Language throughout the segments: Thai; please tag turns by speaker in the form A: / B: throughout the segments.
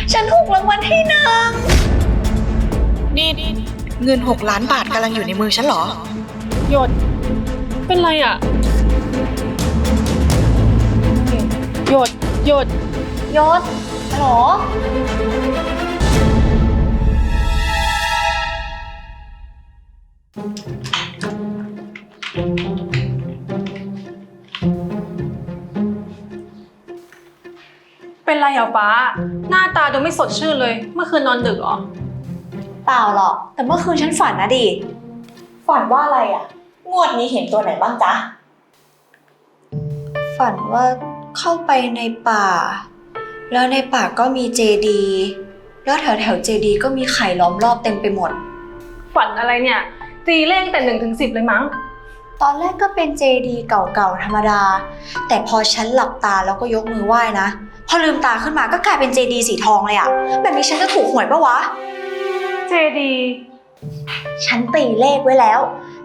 A: ฉันถูกรางวัลที่หนึ่ง
B: นี่เงิน6 ล้านบาทกำลังอยู่ในมือฉันเหรอ
C: หยดเป็นไรอ่ะหยด
A: ยศฮัลโหล
C: เป็นไรเหรอป้าหน้าตาดูไม่สดชื่นเลยเมื่อคืนนอนดึกเหรอ
A: เปล่าหรอกแต่เมื่อคืนฉันฝันนะดิฝันว่าอะไรอ่ะงวดนี้เห็นตัวไหนบ้างจ๊ะฝันว่าเข้าไปในป่าแล้วในป่าก็มีเจดีย์แล้วแถวเจดีย์ก็มีไข่ล้อมรอบเต็มไปหมด
C: ฝันอะไรเนี่ยตีเลขแต่1 ถึง 10เลยมั้ง
A: ตอนแรกก็เป็นเจดีย์เก่าๆธรรมดาแต่พอฉันหลับตาแล้วก็ยกมือไหว้นะพอลืมตาขึ้นมาก็กลายเป็นเจดีย์สีทองเลยอะแบบนี้ฉันจะถูกหวยปะวะ
C: เจดีย์
A: ฉันตีเลขไว้แล้ว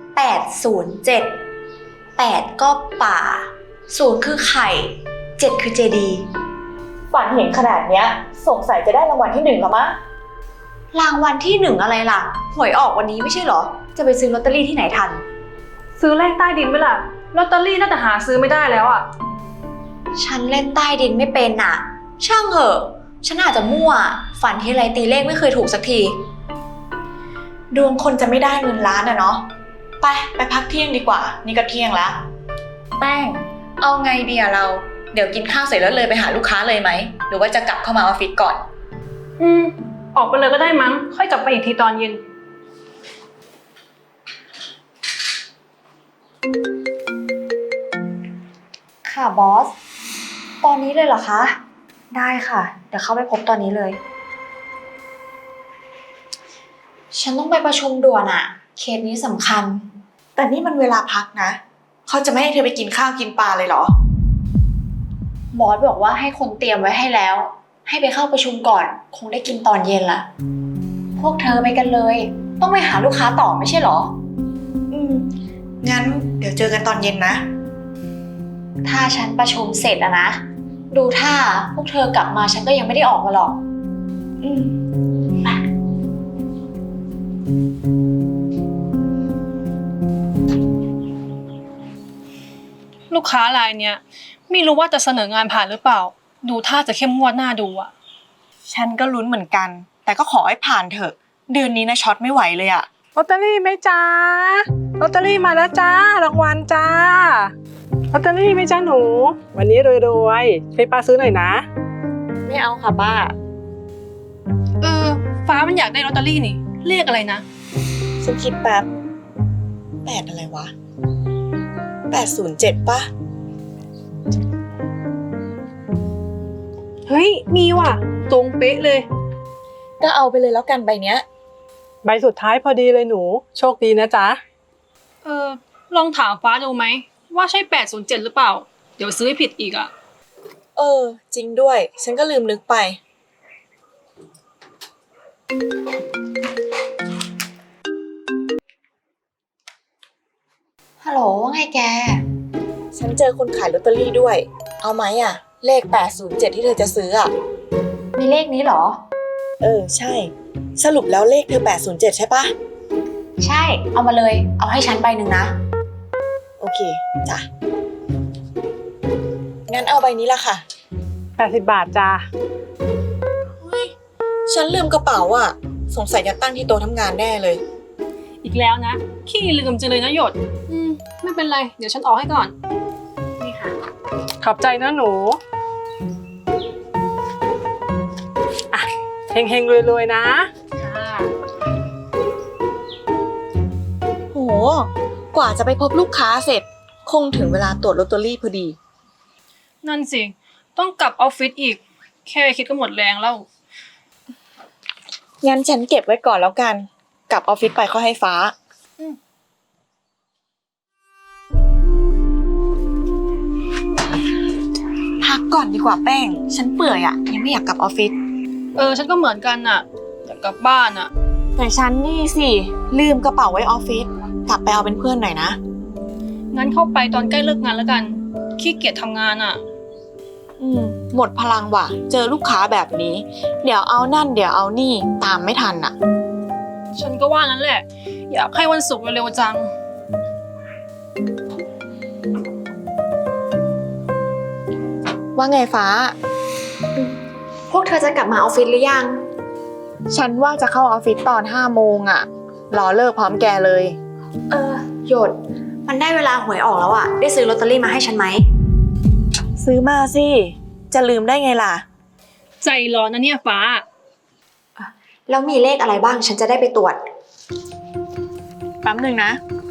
A: 807 8ก็ป่า0คือไข่7คือเจดีย์ฝันเห็นขนาดเนี้ยสงสัยจะได้รางวัลที่1แล้วมั้งรางวัลที่1อะไรล่ะหวยออกวันนี้ไม่ใช่เหรอจะไปซื้อลอตเตอรี่ที่ไหนทัน
C: ซื้อเลขใต้ดินไหมล่ะลอตเตอรี่น่าจะหาซื้อไม่ได้แล้วอ่ะ
A: ฉันเล่นใต้ดินไม่เป็นน่ะช่างเหอะฉันอาจจะมั่วฝันทีไรตีเลขไม่เคยถูกสักทีดวงคนจะไม่ได้เงินล้านอะเนาะไปพักเที่ยงดีกว่านี่ก็เที่ยงแล้วแป้งเอาไงดีอะเราเดี๋ยวกินข้าวเสร็จแล้วเลยไปหาลูกค้าเลยไหมหรือว่าจะกลับเข้ามาออฟฟิศก่อน
C: ออกไปเลยก็ได้มั้งค่อยกลับไปอีกทีตอนเย็น
A: ค่ะบอสตอนนี้เลยเหรอคะได้ค่ะเดี๋ยวเข้าไปพบตอนนี้เลยฉันต้องไปประชุมด่วนอะเคสนี้สำคัญแต่นี่มันเวลาพักนะเขาจะไม่ให้เธอไปกินข้าวกินปลาเลยเหรอบอสบอกว่าให้คนเตรียมไว้ให้แล้วให้ไปเข้าประชุมก่อนคงได้กินตอนเย็นละพวกเธอไปกันเลยต้องไปหาลูกค้าต่อไม่ใช่เหรองั้นเดี๋ยวเจอกันตอนเย็นนะถ้าฉันประชุมเสร็จอะนะดูท่าพวกเธอกลับมาฉันก็ยังไม่ได้ออกมาหรอก
C: ลูกค้ารายเนี้ยไม่รู้ว่าจะเสนองานผ่านหรือเปล่าดูท่าจะเข้มงวดหน้าดูอ่ะ
B: ฉันก็ลุ้นเหมือนกันแต่ก็ขอให้ผ่านเถอะเดือนนี้นะช็อตไม่ไหวเลยอะ
D: ลอตเตอรี่ไหมจ้าลอตเตอรี่มาแล้วจ้ารางวัลจ้าลอตเตอรี่ไหมจ้าหนูวันนี้รวยๆให้ป้าซื้อหน่อยนะ
B: ไม่เอาค่ะป้า
C: ฟ้ามันอยากได้ลอตเตอรี่นี่เลขอะไรนะ
B: ฉันคิดแป๊บ8อะไรวะ807ป่ะ
C: เฮ้ยมีว่ะตรงเป๊ะเลย
B: ก็เอาไปเลยแล้วกันใบเนี้ย
D: ใบสุดท้ายพอดีเลยหนูโชคดีนะจ๊ะ
C: ลองถามฟ้าดูไหมว่าใช่807หรือเปล่าเดี๋ยวซื้อให้ผิดอีกอ่ะ
B: จริงด้วยฉันก็ลืมนึกไป
A: ฮัลโหลว่าไงแก
B: ฉันเจอคนขายลอตเตอรี่ด้วยเอาไหมอะเลข807ที่เธอจะซื้ออะ
A: มีเลขนี้เหรอ
B: ใช่สรุปแล้วเลขเธอ807ใช่ปะ
A: ใช่เอามาเลยเอาให้ฉันใบหนึ่งนะ
B: โอเคจ้ะงั้นเอาใบนี้ละค่ะ
D: 80 บาทจ้า
B: ฉันลืมกระเป๋าอ่ะสงสัยจะตั้งที่โต๊ะทำงานแน่เลย
C: อีกแล้วนะขี้ลืมจังเลยนะหยดไม่เป็นไรเดี๋ยวฉันออกให้ก่อนนี่ค่ะ
D: ขอบใจนะหนูอ่ะเฮงๆรวยๆนะ
C: ค่ะ
B: โหกว่าจะไปพบลูกค้าเสร็จคงถึงเวลาตรวจลอตเตอรี่พอดี
C: นั่นสิต้องกลับออฟฟิศอีกแค่คิดก็หมดแรงแล้ว
B: งั้นฉันเก็บไว้ก่อนแล้วกันกลับออฟฟิศไปค่อยให้ฟ้าพักก่อนดีกว่าแป้งฉันเปื่อยอะยังไม่อยากกลับออฟฟิศ
C: ฉันก็เหมือนกันน่ะอยากกลับบ้านอะ
B: แต่ฉันนี่สิลืมกระเป๋าไว้ออฟฟิศกลับไปเอาเป็นเพื่อนหน่อยนะ
C: งั้นเข้าไปตอนใกล้เลิกงานแล้วกันขี้เกียจทำงานอะ
B: หมดพลังว่ะ เจอลูกค้าแบบนี้ เดี๋ยวเอานั่นเดี๋ยวเอานี่ตามไม่ทันอ่ะ
C: ฉันก็ว่างั้นแหละ อยากให้วันศุกร์เร็วๆจัง
B: ว่าไงฟ้า
A: พวกเธอจะกลับมาออฟฟิศหรือยัง
B: ฉันว่าจะเข้าออฟฟิศตอน5 โมงอ่ะ รอเลิกพร้อมแกเลย
A: หยด มันได้เวลาหวยออกแล้วอะได้ซื้อลอตเตอรี่มาให้ฉันไหม
B: ซื้อมาสิ จะลืมได้ไงล่ะ
C: ใจร้อนนะเนี่ยฟ้า
A: แล้วมีเลขอะไรบ้างฉันจะได้ไปตรวจ
B: แป๊บหนึ่งนะ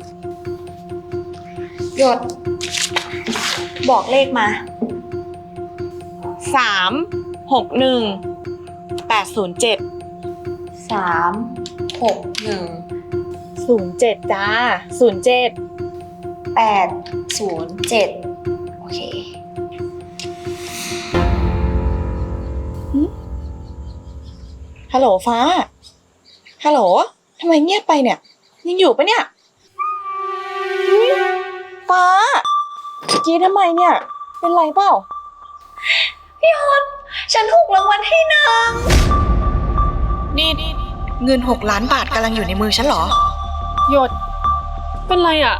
A: หยด บอกเลขมา
B: 361 807
A: 361
B: 07จ้า07
A: 807โอเค
B: ฮัลโหลฟ้า ฮัลโหล ทำไมเงียบไปเนี่ย ยังอยู่ปะเนี่ยฟ้ากรีดทำไมเนี่ย เป็นไรเปล่า
A: พี่ฮอนฉันถูกรางวัลที่1
B: นี่เงิน6 ล้านบาทกำลังอยู่ในมือฉันเหรอ
C: หยด เป็นไรอ่ะ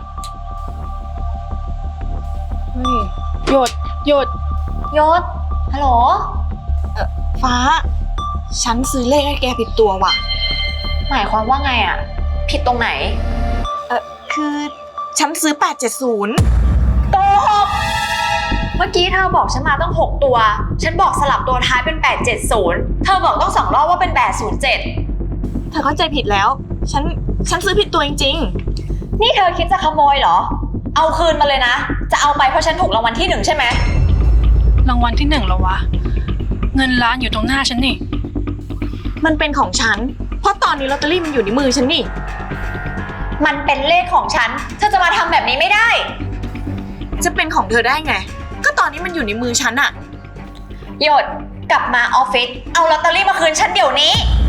C: เฮ้ย หยด
A: ยศ ฮัลโหล
B: ฟ้า ฉันซื้อเลขให้แกผิดตัวว่ะ
A: หมายความว่าไงอะผิดตรงไหน
B: คือฉันซื้อ870
A: โกหก เมื่อกี้เธอบอกฉันมาต้อง6 ตัว ฉันบอกสลับตัวท้ายเป็น870เธอบอกต้อง2 รอบว่าเป็น807
B: เธอเข้าใจผิดแล้ว ฉันซื้อผิดตัวจริง
A: นี่เธอคิดจะขโมยเหรอ เอาคืนมาเลยนะ จะเอาไปเพราะฉันถูกรางวัลที่1ใช่ไหม
C: รางวัลที่1แล้ววะ เงินล้านอยู่ตรงหน้าฉันนี่
B: ๆ มันเป็นของฉัน เพราะตอนนี้ลอตเตอรี่มันอยู่ในมือฉันนี่
A: มันเป็นเลขของฉัน เธอจะมาทำแบบนี้ไม่ได้
B: จะเป็นของเธอได้ไง ก็ตอนนี้มันอยู่ในมือฉันอะ
A: หยด กลับมาออฟฟิศ เอาลอตเตอรี่มาคืนฉันเดี๋ยวนี้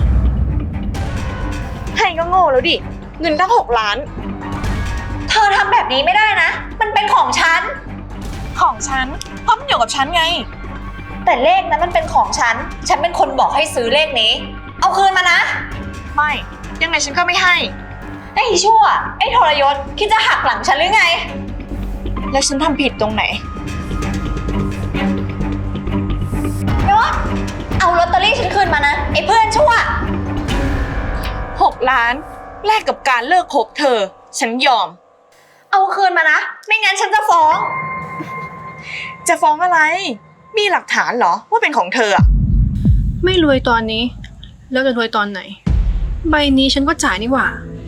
B: ให้ก็โง่แล้วดิ เงินตั้ง6 ล้าน
A: เธอทำแบบนี้ไม่ได้นะ มันเป็นของฉัน
B: ของฉัน เพราะมันอยู่กับฉันไง
A: แต่เลขนั้นมันเป็นของฉัน ฉันเป็นคนบอกให้ซื้อเลขนี้ เอาคืนมานะ
B: ไม่ ยังไงฉันก็ไม่ให้
A: ไอ้ชั่ว ไอ้ทรยศ คิดจะหักหลังฉันหรือไง
B: แล้วฉันทำผิดตรงไหน
A: ยศ เอาลอตเตอรี่ฉันคืนมานะ ไอ้เพื่อนชั่ว
B: 6 ล้าน แลกกับการเลิกคบเธอ ฉันยอม
A: เอาคืนมานะ ไม่งั้นฉันจะฟ้อง
B: จะฟ้องอะไร มีหลักฐานเหรอว่าเป็นของเธออะ
C: ไม่รวยตอนนี้ แล้วจะรวยตอนไหน ใบนี้ฉันก็จ่ายนี่หว่า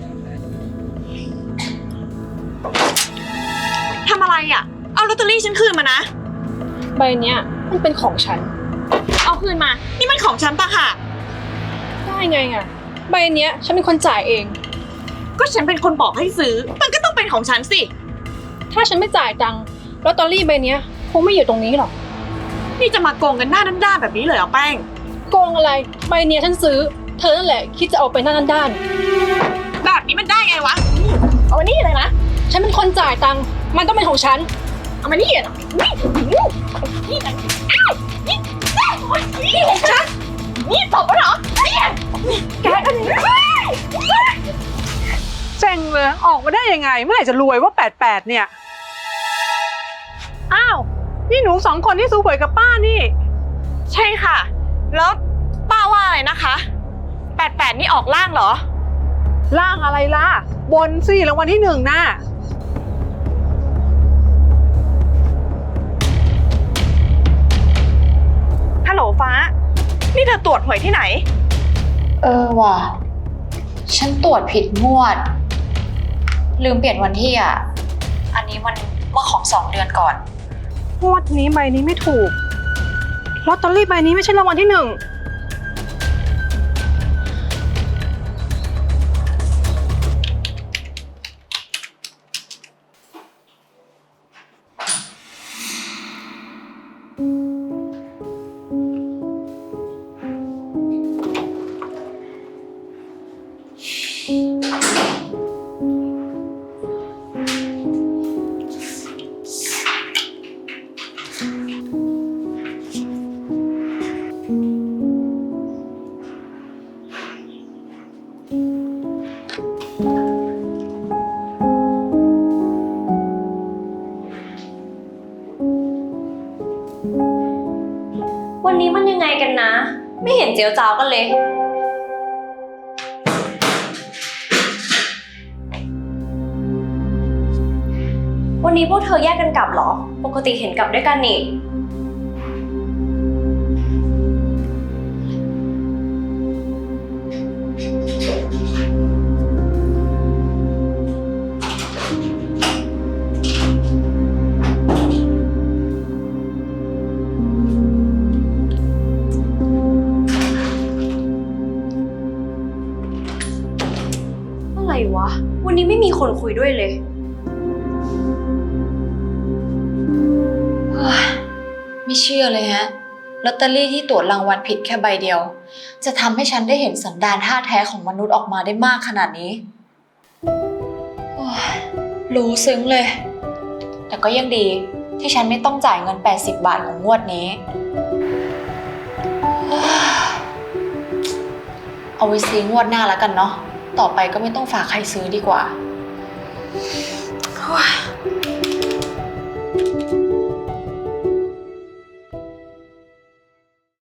B: ทำอะไรอะเอาลอตเตอรี่ฉันคืนมานะ
C: ใบเนี้ยมันเป็นของฉัน
B: เอาคืนมา นี่มันของฉันต่างหาก
C: ได้ไงอ่ะ ใบเนี้ยฉันเป็นคนจ่ายเอง
B: ก็ฉันเป็นคนบอกให้ซื้อ มันก็ต้องเป็นของฉันสิ
C: ถ้าฉันไม่จ่ายตังค์ลอตเตอรี่ใบเนี้ยคงไม่อยู่ตรงนี้หรอก
B: นี่จะมาโกงกันหน้าด้านๆแบบนี้เลยเหรอแป้ง
C: โกงอะไร ใบเนี้ยฉันซื้อ เธอนั่นแหละคิดจะเอาไปหน้าด้าน
B: แบบนี้มันได้ไงวะ เอามานี่เลยนะ
C: ๆฉันเป็นคนจ่ายตังค์มันต้องเป็นของฉัน
B: เอามานี่เลยนะนี่นะอ้าวนี่นี่ของฉัน นี่ตบปะเหรอเนี่ยแกกันนี่
D: เซ็งเลยออกมาได้ยังไง เมื่อไหร่จะรวยว่า88เนี่ย อ้าว นี่หนู2 คนที่ซื้อหวยกับป้านี่
B: ใช่ค่ะ แล้วป้าว่าอะไรนะคะ88นี่ออกล่างเหรอ
D: ล่างอะไรล่ะ บนสิรางวัลที่1น่ะ
B: ฮัลโหลฟ้า นี่เธอตรวจหวยที่ไหน
A: ว่ะ ฉันตรวจผิดงวด ลืมเปลี่ยนวันที่อ่ะ อันนี้มันเมื่อของ2 เดือนก่อน
C: งวดนี้ใบนี้ไม่ถูก ลอตเตอรี่ใบนี้ไม่ใช่รางวัลที่1
B: นี้มันยังไงกันนะ ไม่เห็นเจียวจ้าวกันเลย วันนี้พวกเธอแยกกันกลับเหรอ ปกติเห็นกลับด้วยกันนี่ อะไรวะ วันนี้ไม่มีคนคุยด้วยเลย
A: ไม่เชื่อเลยฮะลอตเตอรี่ที่ตรวจรางวัลผิดแค่ใบเดียว จะทำให้ฉันได้เห็นสันดานท่าแท้ของมนุษย์ออกมาได้มากขนาดนี้โอ้ยรู้ซึ้งเลย แต่ก็ยังดีที่ฉันไม่ต้องจ่ายเงิน80 บาทของงวดนี้โอ้ยเอาไว้ซื้องวดหน้าแล้วกันเนาะต่อไปก็ไม่ต้องฝากใครซื้อดีกว่า